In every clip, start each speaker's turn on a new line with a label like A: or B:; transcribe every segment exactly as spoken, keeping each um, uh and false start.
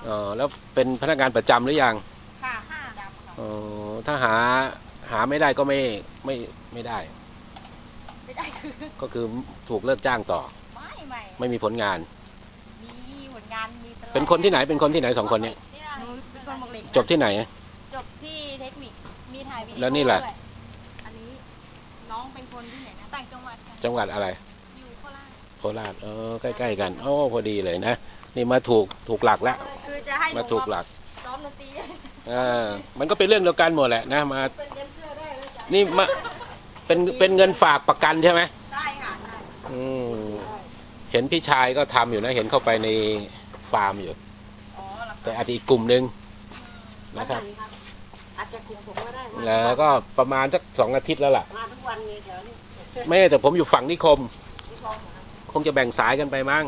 A: อ๋อแล้วเป็นพนักงานประจำหรือยัง
B: ค่ะห้าดำค่ะ
A: อ๋อถ้าหาหาไม่ได้ก็ไม่ไม่ไม่ได้
B: ไม่ได้คือ
A: ก็คือถูกเลิกจ้างต่อ
B: ไม่ไม่
A: ไม่มีผลงาน
B: มีผลงานมีตลอด
A: เป็นคนที่ไหนเป็นคนที่ไหนสองคนเนี้ย
B: หนูเป็นคนหมกเหล็ก
A: จบที่ไหน
B: จบที่เทคนิคมีถ่ายวิดีโอ
A: แล้วนี่แหละ
B: ด้วยอันนี้น้องเป็นคนที่ไหนนะต่างจังหวัดค่ะ
A: จังหวัดอะไร
B: อยู่โคราช
A: โคราชเออใกล้ๆกันโอ้พอดีเลยนะนี่มาถูกถูกหลักแล้ว
B: คือจะให้
A: มาถูกหลัก
B: ซ้อมดนตรี
A: อ่ามันก็เป็นเรื่องเดียวกันหมดแหละนะมา
B: เป็นเงินเสื้อได้แล้วจ้ะ
A: นี่มาเป็นเป็นเงินฝากประกันใช่ไหม
B: ได้ค่ะได้
A: อืมเห็นพี่ชายก็ทำอยู่นะเห็นเข้าไปในฟาร์มอยู่
B: อ๋อ
A: แต่อาจจะอีกกลุ่มหนึ่งนะครับ
B: อาจจะกลุ่มผมก็ได้
A: แล้วก็ประมาณสักสองอาทิตย์แล้วล่ะ
B: มาทุกวันเลยแถวนี้
A: ไม่แต่ผมอยู่ฝั่งนิคมคงจะแบ่งสายกันไปมั้ง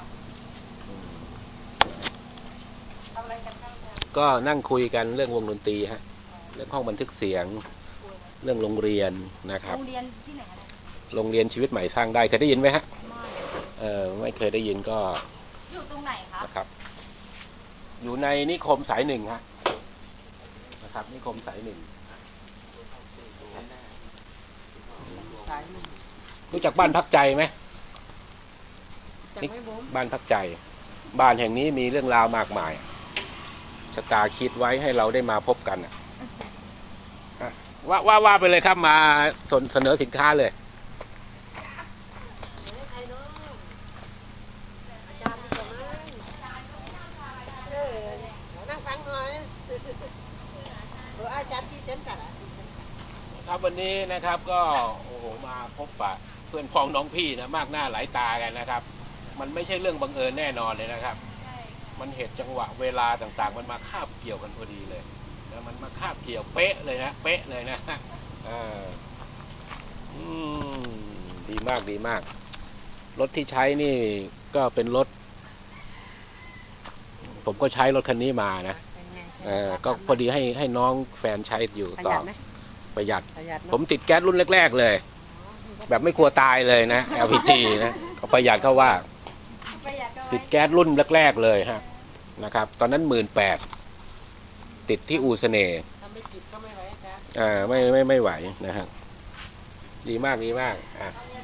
A: ก็นั่งคุยกันเรื่องวงดนตรีฮะเรื่องห้องบันทึกเสียงเรื่องโรงเรียนนะครับ
B: โรงเรียนที่ไหน
A: โรงเรียนชีวิตใหม่สร้างได้เคยได้ยินไหมฮะเออไม่เคยได้ยินก็
B: อยู่ตรงไหนครับ
A: นะครับอยู่ในนิคมสายหนึ่งฮะนะครับนิคมสายหนึ่งรู้จักบ้านพักใจไหมบ้านพักใจบ้านแห่งนี้มีเรื่องราวมากมายชะตาคิดไว้ให้เราได้มาพบกันอ่ะว่าว่าว่าไปเลยครับมาเสนอสินค้าเลยครับวันนี้นะครับก็โอ้โหมาพบปะเพื่อนพ้องน้องพี่นะมากหน้าหลายตากันนะครับมันไม่ใช่เรื่องบังเอิญแน่นอนเลยนะครับมันเหตุจังหวะเวลาต่างๆมันมาคาบเกี่ยวกันพอดีเลยแล้วมันมาคาบเกี่ยวเป๊ะเลยนะเป๊ะเลยนะอ่าอืมดีมากดีมากรถที่ใช้นี่ก็เป็นรถผมก็ใช้รถคันนี้มานะเออก็พอดีให้ให้น้องแฟนใช้อยู่ต่อประหยัดผมติดแก๊สรุ่นแรกๆเลยแบบไม่กลัวตายเลยนะ แอล พี จี นะก็ประหยัดเข้าว่าติดแก๊สรุ่นแรกๆเลยฮะนะครับตอนนั้นหมื่นแปดติดที่อูเสน่ห์
B: ถ้าไม่ติดก็ไม่ไหวจ้ะ
A: อ่าไม่ไม่ไม่ไหวนะฮะดีมากดีมากอ่ะ